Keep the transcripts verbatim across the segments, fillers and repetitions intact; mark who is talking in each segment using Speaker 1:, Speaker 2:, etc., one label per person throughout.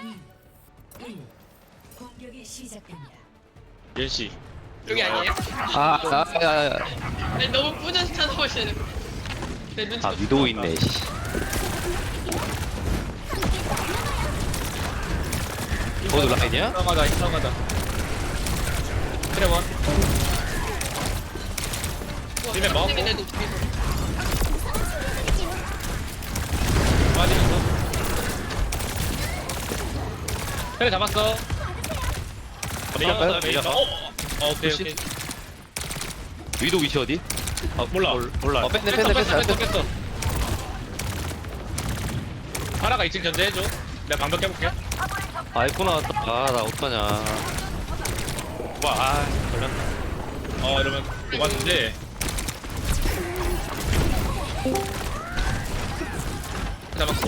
Speaker 1: 이, 일. 공격이 시작됩니다.
Speaker 2: 연씨
Speaker 3: 여기 아니에요?
Speaker 4: 아, 아, 아, 아,
Speaker 3: 아니 너무 꾸준히 찾아보시는 내 눈치
Speaker 4: 아, 위도우 있네, 씨. 거기도 라인이야?
Speaker 2: 인상하다 인상하다 트레원 집에 먹었고.
Speaker 3: 내 높이
Speaker 2: 빠지면서 트레 잡았어 메이 잡았어 메이 잡았어 어? 어 오케이 오케이
Speaker 4: 위도우 위치 어디?
Speaker 2: 아 몰라 몰라
Speaker 4: 어, 뺐네,
Speaker 2: 뺐어
Speaker 4: 뺐네,
Speaker 2: 뺐어
Speaker 4: 뺐어,
Speaker 2: 뺐어 뺐어 하나가 이 층 견제해줘 내가 방벽 깨볼게
Speaker 4: 아이고, 나왔다. 아, 나 어떡하냐.
Speaker 2: 와 아, 걸렸다 어 이러면 녹았는데 잡았고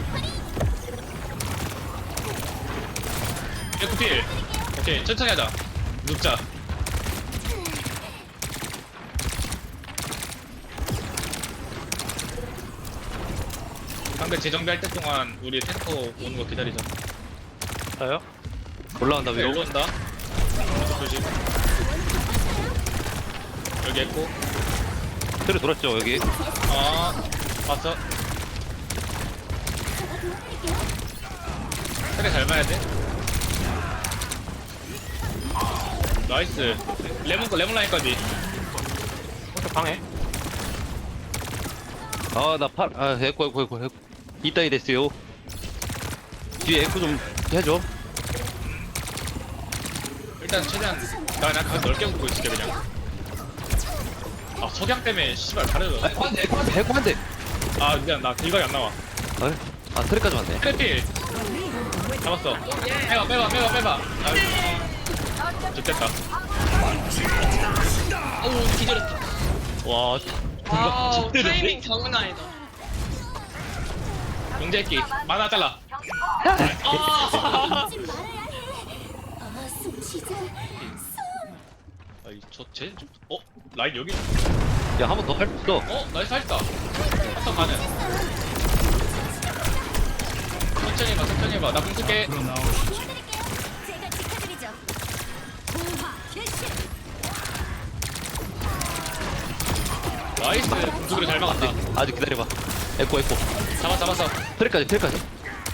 Speaker 2: 에코필 오케이 천천히 하자 눕자 상대 재정비할 때 동안 우리 탱커 오는 거 기다리자
Speaker 4: 저요? 올라간다,
Speaker 2: 네,
Speaker 4: 위도우.
Speaker 2: 일로 온다 왼쪽 조심 여기 했고
Speaker 4: 트레 돌았죠, 여기.
Speaker 2: 아 봤어 트레 잘 봐야 돼 나이스 레몬 거 레몬 라인까지 방해
Speaker 4: 아, 나 팔, 아, 에코, 에코, 에코, 에코. 이따이 됐어요. 뒤에 에코 좀 해줘.
Speaker 2: 일단 최대한 나 그냥 가서 넓게 묶고 있을게 그냥 아 석양 때문에 씨발 가려져
Speaker 4: 에코 한 대, 에코 한 대, 에코 한 대.
Speaker 2: 아 미안 나 길각이 안 나와
Speaker 4: 어? 아, 트레까지 왔네.
Speaker 2: 트래필 잡았어 빼봐 빼봐 빼봐 빼봐 아 좋겠다
Speaker 3: 어우 기절했다
Speaker 2: 와
Speaker 3: 와우
Speaker 2: 진짜
Speaker 3: 타이밍 장난 아니다
Speaker 2: 용재끼 만화 잘라
Speaker 3: 아
Speaker 2: 아이 저쟤 어? 라인 여기
Speaker 4: 야, 한 번 더 할 수 있어.
Speaker 2: 어? 나이스 할다 한턴 가는 천천히 해봐 천천히 해봐 나 공쓸게
Speaker 1: 제가 지켜드리죠. 우화 개시.
Speaker 2: 나이스 공수기로 잘 막았다
Speaker 4: 아직 기다려봐. 에코, 에코.
Speaker 2: 잡았 잡았어
Speaker 4: 트레까지, 트레까지.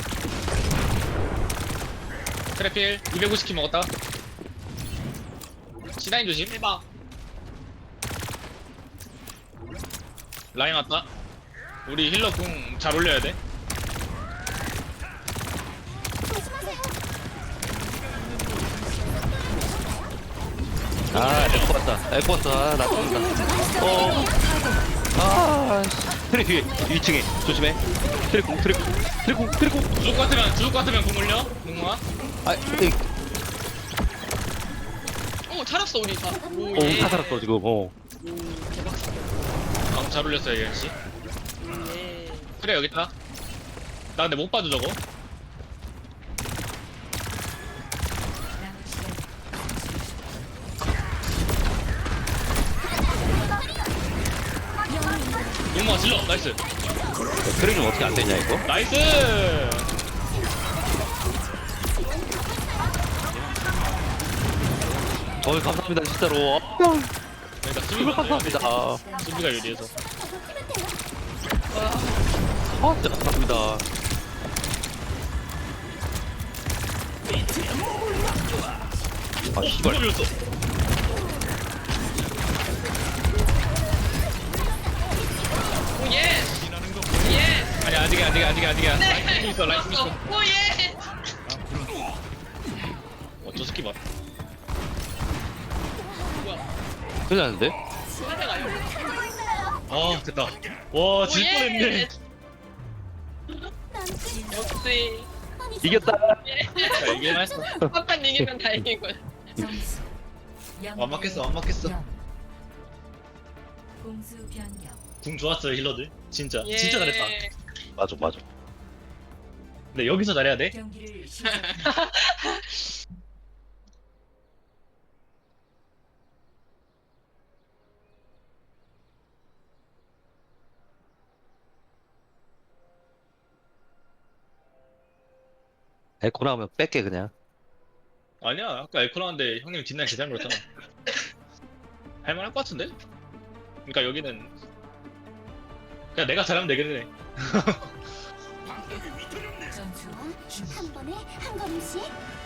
Speaker 2: 트래필 이백오십 킬 먹었다 시다인 조심
Speaker 3: 대박
Speaker 2: 라인 왔다 우리 힐러 궁 잘 올려야 돼
Speaker 4: 아, 에코 왔다. 에코 왔다. 아, 나 죽는다. 어. 아, 씨. 트레 뒤에. 이 층에. 조심해. 트레 공, 트레 공. 트레 공, 트레 공.
Speaker 2: 죽을 것 같으면 죽을 것 같으면 궁 올려 궁아
Speaker 4: 아, 에이.
Speaker 3: 어 살았어 우리 다
Speaker 4: 어,
Speaker 3: 오예
Speaker 4: 다 살았어, 지금. 어.
Speaker 3: 대박
Speaker 2: 방금 잘 올렸어요 예은씨
Speaker 3: 예
Speaker 2: 그래 여기 있다 나 근데 못 봐줘 저거 용마 질러 나이스
Speaker 4: 트레 좀 어떻게 안 되냐, 이거?
Speaker 2: 나이스
Speaker 4: 어, 감사합니다, 진짜로.
Speaker 2: 그러니까 수비
Speaker 4: 감사합니다.
Speaker 2: 수비가 유리해서
Speaker 4: 아, 진짜 감사합니다. 아, 씨발.
Speaker 2: 누가 밀었어
Speaker 3: 오예 예
Speaker 2: 아니 아직이야 아직이야 아직이야 아직이야 라인 쓰고 있어 라인 쓰고 있어
Speaker 3: 오예
Speaker 2: 어저 새끼 봐
Speaker 3: 뭐야
Speaker 4: 큰일 났는데?
Speaker 3: 하다가요
Speaker 2: 아 됐다 와 질 뻔했네
Speaker 3: 역시
Speaker 4: 이겼다.
Speaker 2: 자, 이게 했어
Speaker 3: 한판 이기면 다행이군
Speaker 1: 점수. 영
Speaker 2: 완막했어,
Speaker 1: 대
Speaker 2: 완막했어.
Speaker 1: 영. 공수 변경.
Speaker 2: 궁 좋았어요 힐러들 진짜
Speaker 3: 예.
Speaker 2: 진짜 잘했다
Speaker 4: 맞아, 맞아.
Speaker 2: 근데 여기서 잘해야 돼?
Speaker 1: 경기를 시작.
Speaker 4: 에코 나오면 뺄게 그냥.
Speaker 2: 아니야 아까 에코 나왔는데 형님 뒷날 계산 그랬잖아. 할만할 것 같은데? 그러니까 여기는 그냥 내가 잘하면 되겠네.
Speaker 1: 전투
Speaker 5: 한 번에 한 걸음씩.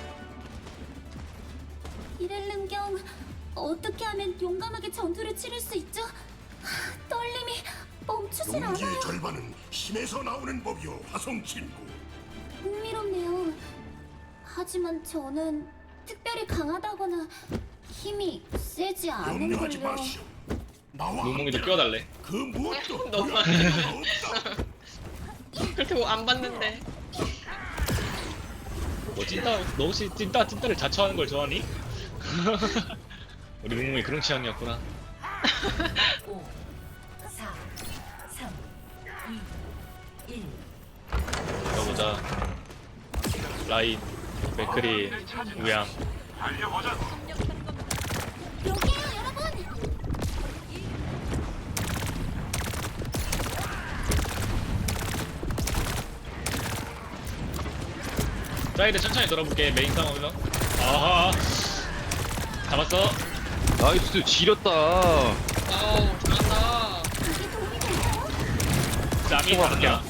Speaker 5: 이렐름경 어떻게 하면 용감하게 전투를 치를 수 있죠? 하, 떨림이 멈추질
Speaker 6: 용기의
Speaker 5: 않아요.
Speaker 6: 절반은 힘에서 나오는 법이오, 화성 친구.
Speaker 5: 흥미롭네요. 하지만 저는 특별히 강하다거나 힘이 세지
Speaker 6: 염려하지
Speaker 5: 않은걸요.
Speaker 6: 마시오. 나와
Speaker 2: 몽몽이도
Speaker 6: 함께라면
Speaker 2: 끼워달래.
Speaker 6: 그 무엇도
Speaker 3: 너무
Speaker 6: 두려울 필요가 없다.
Speaker 3: 그렇게 뭐 안 봤는데.
Speaker 2: 뭐 찐따 너 혹시 찐따 찐따를 자처하는 걸 좋아하니? 우리 몽몽이 그런 취향이었구나.
Speaker 1: 오, 사, 삼, 이, 일.
Speaker 2: 가보자. 라인, 맥크리, 우양.
Speaker 5: 여기에요, 여러분.
Speaker 2: 사이드 천천히 돌아볼게. 메인 상황이면. 아하. 잡았어.
Speaker 4: 나이스 지렸다.
Speaker 3: 와우, 잘한다.
Speaker 5: 이게 도움이 될까요?
Speaker 2: 짬이 다르냐?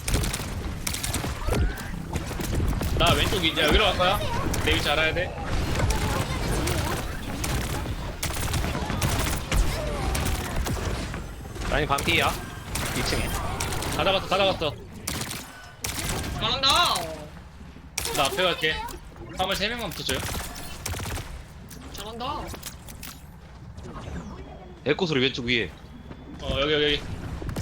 Speaker 2: 나 왼쪽 이제 여기로 갈 거야. 내 위치 알아야 돼.
Speaker 4: 라인 반피야. 이 층에.
Speaker 2: 다 잡았어, 다 잡았어.
Speaker 3: 잘한다.
Speaker 2: 나 앞에 갈게. 화물 세 명만 붙어줘요.
Speaker 3: 잘한다.
Speaker 4: 에코 소리 왼쪽 위에.
Speaker 2: 어, 여기, 여기, 여기.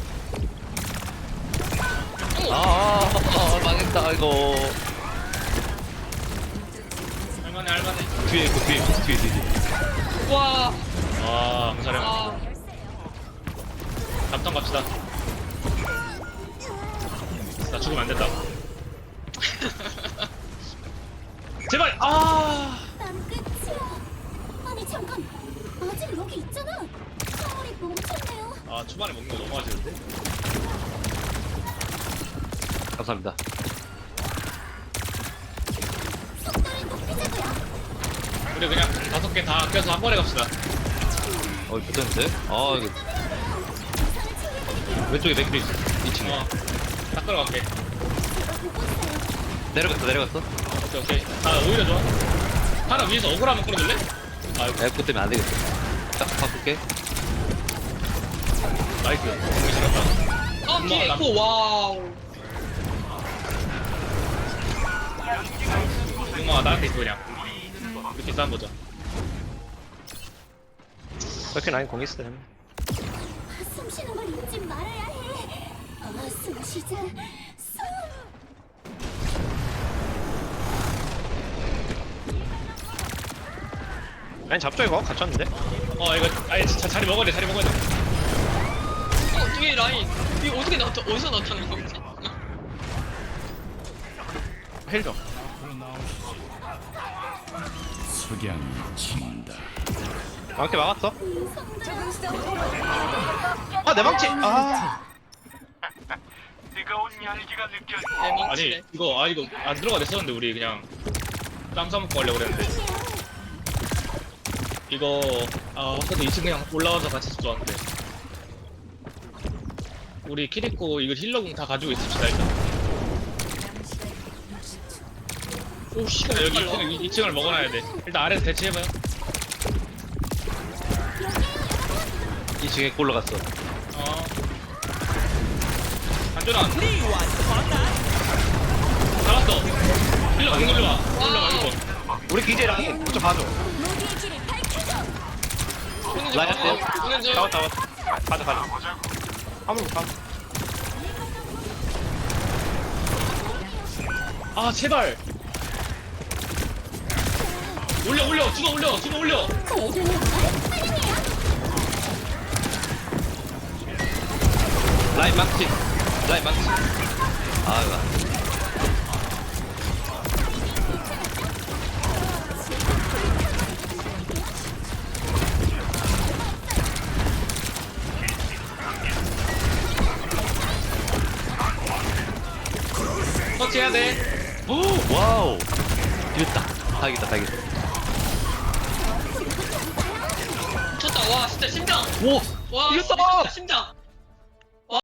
Speaker 4: 아, 아, 아 망했다 이거.
Speaker 2: 할만해, 할만해.
Speaker 4: 뒤에 에코 뒤에 뒤에 뒤에. 뒤에.
Speaker 3: 와,
Speaker 2: 아, 암살해.
Speaker 3: 아,
Speaker 2: 담당 갑시다. 나 죽으면 안 된다. 제발! 아!
Speaker 5: 난 끝이야. 아니 잠깐. 아직 여기 있잖아. 사월이 멈췄네요.
Speaker 2: 아, 초반에 먹는 거 너무 아쉬운데?
Speaker 4: 감사합니다.
Speaker 5: 속도를 높이자고요.
Speaker 2: 우리 그냥 다섯 개 다 아껴서 한 번에 갑시다.
Speaker 4: 어 괜찮은데? 아 이거
Speaker 5: 우산을 챙겨드릴게요.
Speaker 4: 왼쪽에 맥크리 있어. 이 층에.
Speaker 2: 어, 딱 끌어갈게.
Speaker 5: 제가 보고 있어요.
Speaker 4: 내려갔어 내려갔어.
Speaker 2: 오케이, 오케이. 아, 오히려 좋아. 하나 위에서 억울 한번 끌어줄래? 아이고,
Speaker 4: 에코 때문에 안 되겠어. 딱 바꿀게.
Speaker 2: 나이스. 너무 잘한다.
Speaker 3: 어, 뒤에 에코, 와우.
Speaker 2: 용마가 나한테 있어, 그냥. 이렇게 싸움 보자.
Speaker 4: 이렇게 라인 공 있어.
Speaker 5: 숨 쉬는 걸 잊지 말아야 해. 아, 숨 쉬자. 숨.
Speaker 4: 라인 잡죠 이거 갇혔는데?
Speaker 2: 어, 이거, 아예 자, 자리 먹어야 돼, 자리 먹어야 돼.
Speaker 3: 어, 뒤에 라인. 이거 어떻게 나타, 어디서 나타나는 거지?
Speaker 2: 헬 좀.
Speaker 6: 석양이 친다.
Speaker 4: 망치 막았어? 아 내 망치! 아
Speaker 6: 뜨거운 열기가 느껴.
Speaker 3: 네,
Speaker 2: 아니,
Speaker 3: 멍치네.
Speaker 2: 이거, 아, 이거 안 들어가 냈었는데, 우리 그냥. 땀 싸먹고 하려고 그랬는데. 이거, 아, 아까도 이 층 그냥 올라와서 같이 했을 줄 알았는데. 우리 키리코 이거 힐러궁 다 가지고 있읍시다, 일단.
Speaker 1: 남은 시간 육십 초.
Speaker 3: 오, 씨발,
Speaker 2: 여기
Speaker 3: 빨라.
Speaker 2: 이 층, 이 층을 먹어놔야 돼. 일단 아래에서 대치해봐요.
Speaker 4: 이 층에 올라갔어.
Speaker 2: 어. 안전한. 잡았어. 힐러 궁 돌려봐. 힐러 말고.
Speaker 4: 우리 기재 라인 좀 봐줘.
Speaker 1: 모두의 길을 밝혀줘.
Speaker 3: 보는 중,
Speaker 4: 라인
Speaker 3: 어,
Speaker 4: 때.
Speaker 3: 보는 중.
Speaker 4: 잡았다 잡았다. 가자 가자. 아무 가.
Speaker 2: 아, 제발. 올려, 올려. 죽어, 올려. 죽어, 올려.
Speaker 5: 대중의 환영이에요.
Speaker 4: 라인 망치. 라인 망치. 아 이거.
Speaker 2: 터치해야 돼.
Speaker 4: 오 와우. 이겼다. 다행이다, 다행이다.
Speaker 3: 쳤다. 와 진짜 심장.
Speaker 4: 오!
Speaker 3: 와
Speaker 4: 이겼다!
Speaker 3: 진짜 심장.